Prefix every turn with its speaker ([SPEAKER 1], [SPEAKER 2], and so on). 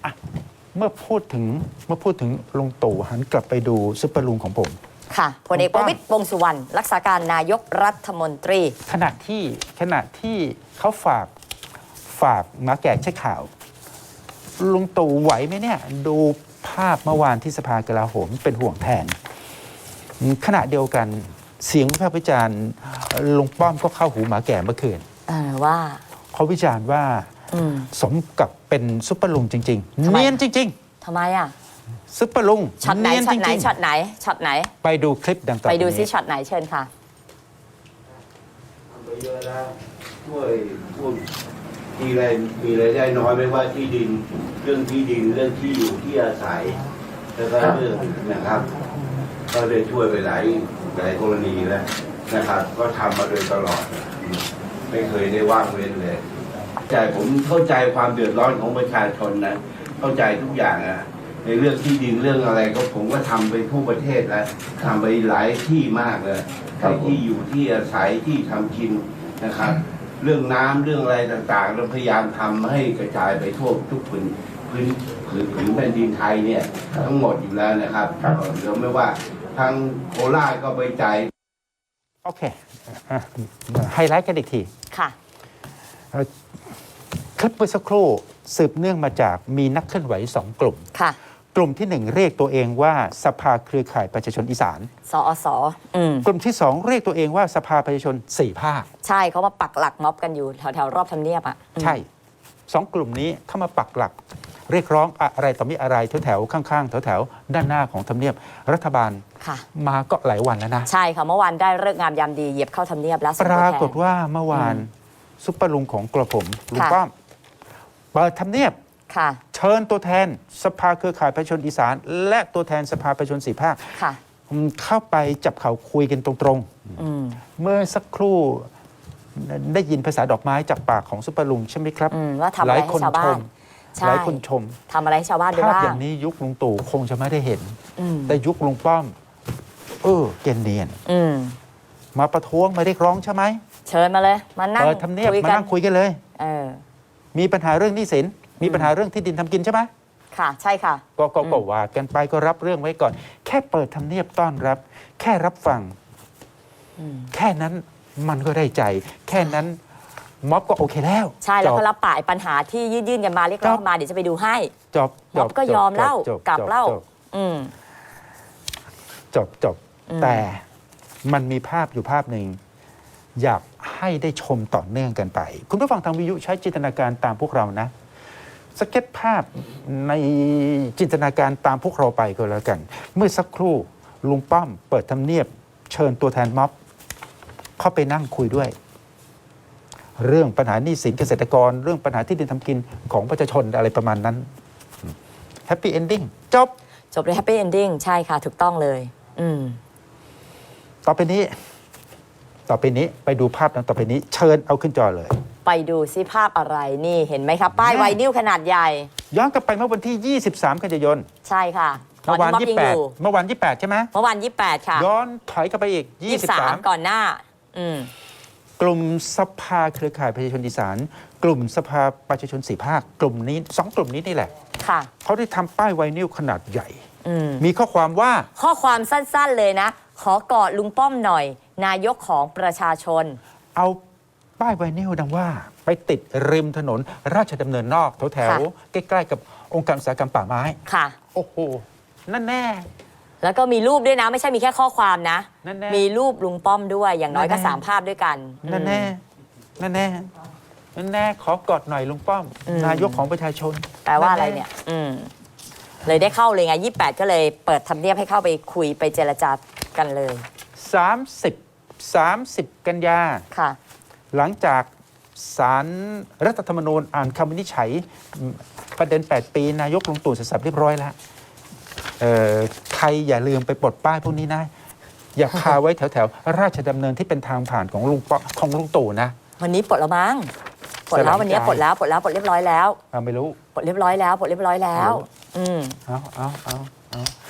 [SPEAKER 1] เมื่อพูดถึงลุงตู่หันกลับไปดูซุปเปอร์ลุงของผม
[SPEAKER 2] ค่ะพลเอกประวิตร วงษ์สุวรรณรักษาการนายกรัฐมนตรี
[SPEAKER 1] ขณะที่เขาฝากหมาแก่เช็คข่าวลุงตู่ไหวไหมเนี่ยดูภาพเมื่อวานที่สภากลาโหมเป็นห่วงแทนขณะเดียวกันเสียงวิพากษ์วิจารณ์ลุงป้อมก็เข้าหูหมาแก่เมื่อคืน
[SPEAKER 2] ว่า
[SPEAKER 1] เขาวิจารณ์ว่าสมกับเป็นซุปเปอร์ลุงจริงๆเนียนจริง
[SPEAKER 2] ๆทำไม
[SPEAKER 1] ซุปเปอร์ลุง
[SPEAKER 2] ช็อตไหนช็อตไหน
[SPEAKER 1] ไปดูคลิปดังต่อ
[SPEAKER 2] ไปดูซิช็อตไหนเชิญค่ะ
[SPEAKER 3] ไปเยอะแล้วช่วยพูดมีรายได้น้อยไม่ว่าที่ดินเรื่องที่ดินเรื่องที่อยู่ที่อาศัยแล้วก็เรื่องนะครับก็ได้ช่วยไปหลายกรณีแล้วนะครับก็ทำมาโดยตลอดไม่เคยได้ว่างเว้นเลยผมเข้าใจความเดือดร้อนของประชาชนนะเข้าใจทุกอย่างในเรื่องที่ดินเรื่องอะไรก็ผมก็ทำไปทั่วประเทศแล้วทำไปหลายที่มากเลยที่อยู่ที่อาศัยที่ทำกินนะครับเรื่องน้ำเรื่องอะไรต่างๆเราพยายามทำให้กระจายไปทั่วทุกพื้นแผ่นดินไทยเนี่ยทั้งหมดอยู่แล้วนะครับเดี๋ยวไม่ว่าทางโคราชก็ไปจ่าย
[SPEAKER 1] โอเคไฮไลท์กันอีกที
[SPEAKER 2] ค่ะ
[SPEAKER 1] คลิปเมื่อสักครู่สืบเนื่องมาจากมีนักเคลื่อนไหว2 กลุ่ม
[SPEAKER 2] ค่ะ
[SPEAKER 1] กลุ่มที่1เรียกตัวเองว่าสภาเครือข่ายประชาชนอีสาน
[SPEAKER 2] สอส
[SPEAKER 1] กลุ่มที่2เรียกตัวเองว่าสภาประชาชน4 ภาค
[SPEAKER 2] ใช่เขามาปักหลักม็อบกันอยู่แถวรอบทำเนียบ
[SPEAKER 1] ใช่2 กลุ่มนี้เข้ามาปักหลักเรียกร้องอะไรต่อมีอะไรแถวข้างๆแถวด้านหน้าของทำเนียบรัฐบาลมาก็หลายวันแล้วนะ
[SPEAKER 2] ใช่ค่ะเมื่อวานได้ฤกษ์งามยามดีเหยียบเข้าทำเนียบแล้ว
[SPEAKER 1] ปรากฏว่าเมื่อวานซุปเปอร์ลุงของกระผมลุงป้อมเปิดทำเนียบเชิญตัวแทนสภาเครือข่ายประชาชนอีสานและตัวแทนสภาประชาชน4 ภาคเข้าไปจับเข่าคุยกันตรงๆเมื่อสักครู่ได้ยินภาษาดอกไม้จากปากของซุปเปอร์ลุงใช่ไหมครับ
[SPEAKER 2] ว่าทำอะไรให้ชาวบ้าน
[SPEAKER 1] หลายคนชม
[SPEAKER 2] ทำอะไรให้ชาวบ้านด้วย
[SPEAKER 1] ภาพอย่างนี้ยุคลุงตู่คงจะไม่ได้เห็นแต่ยุคลุงป้อมเกณฑ์เนียนมาประท้วงมาเรียกร้องใช่ไหม
[SPEAKER 2] เชิญมาเลยมานั่ง
[SPEAKER 1] ทำเนียบมานั่งคุยกันเลยมีปัญหาเรื่องหนี้สินมีปัญหาเรื่องที่ดินทำกินใช่ไหม
[SPEAKER 2] ค่ะใช่ค่ะ
[SPEAKER 1] ก็ว่ากันไปก็รับเรื่องไว้ก่อนแค่เปิดทำเนียบต้อนรับแค่รับฟังแค่นั้นมันก็ได้ใจแค่นั้นม็อบก็โอเคแล้ว
[SPEAKER 2] ใช่แล้วก็รับปากปัญหาที่ยื่นกันมาเรียกร้องมาเดี๋ยวจะไปดูให้ม็อบก็ยอมเล่ากลับเล่า
[SPEAKER 1] จบแต่มันมีภาพอยู่ภาพหนึ่งอยากให้ได้ชมต่อเนื่องกันไปคุณผู้ฟังทางวิทยุใช้จินตนาการตามพวกเรานะสเก็ตภาพในจินตนาการตามพวกเราไปก็แล้วกันเมื่อสักครู่ลุงป้อมเปิดทำเนียบเชิญตัวแทนม็อบเข้าไปนั่งคุยด้วยเรื่องปัญหาหนี้สินเกษตรกรเรื่องปัญหาที่ดินทำกินของประชาชนอะไรประมาณนั้นแฮปปี้เอนดิ้ง
[SPEAKER 2] จบเลยแฮปปี้เอนดิ้งใช่ค่ะถูกต้องเลย
[SPEAKER 1] ต่อไปนี้ไปดูภาพต่อไปนี้เชิญเอาขึ้นจอเลย
[SPEAKER 2] ไปดูซิภาพอะไรนี่เห็นไหมครับป้ายไวนิลขนาดใหญ่
[SPEAKER 1] ย้อนกลับไปเมื่อวันที่23 กันยายน
[SPEAKER 2] ใช่ค่ะ
[SPEAKER 1] เมื่อวาน28ใช่ไหม
[SPEAKER 2] เมื่อวาน28ค่ะ
[SPEAKER 1] ย้อนถอยกลับไปอีก
[SPEAKER 2] 23ก่อนหน้า
[SPEAKER 1] กลุ่มสภาเครือข่ายประชาชนอีสานกลุ่มสภาประชาชน4 ภาคกลุ่มนี้2 กลุ่มนี้นี่แหละเขาได้ทำป้ายไวนิลขนาดใหญ่มีข้อความว่า
[SPEAKER 2] ข้อความสั้นๆเลยนะขอกอดลุงป้อมหน่อยนายกของประชาชน
[SPEAKER 1] เอาป้ายไวนิลดังว่าไปติดริมถนนราชดำเนินนอกแถวๆใกล้ๆกับองค์การอุตสาหกรรมป่าไม้
[SPEAKER 2] ค่ะ
[SPEAKER 1] โอ้โหนั่นแน่
[SPEAKER 2] แล้วก็มีรูปด้วยนะไม่ใช่มีแค่ข้อความนะมีรูปลุงป้อมด้วยอย่างน้อยก็3 ภาพด้วยกัน
[SPEAKER 1] นั่นแน่ขอกอดหน่อยลุงป้อมนายกของประชาชน
[SPEAKER 2] แปลว่าอะไรเนี่ยเลยได้เข้าเลยไง28ก็เลยเปิดทำเนียบให้เข้าไปคุยไปเจรจากันเลย
[SPEAKER 1] 30 กันยา
[SPEAKER 2] ค่ะ
[SPEAKER 1] หลังจากศาลรัฐธรรมนูญอ่านคำวินิจฉัยประเด็น8 ปีนายกลุงตู่เสร็จสับเรียบร้อยแล้วใครอย่าลืมไปปลดป้ายพวกนี้นะอย่าคาไว้แถวราชดำเนินที่เป็นทางผ่านของลุงตู่นะ
[SPEAKER 2] วันนี้ปลดแล้วมั้งปลดแล้ววันนี้ปลดเรียบร้อยแล้ว
[SPEAKER 1] ไม่รู้
[SPEAKER 2] ปลดเรียบร้อยแล้วเอา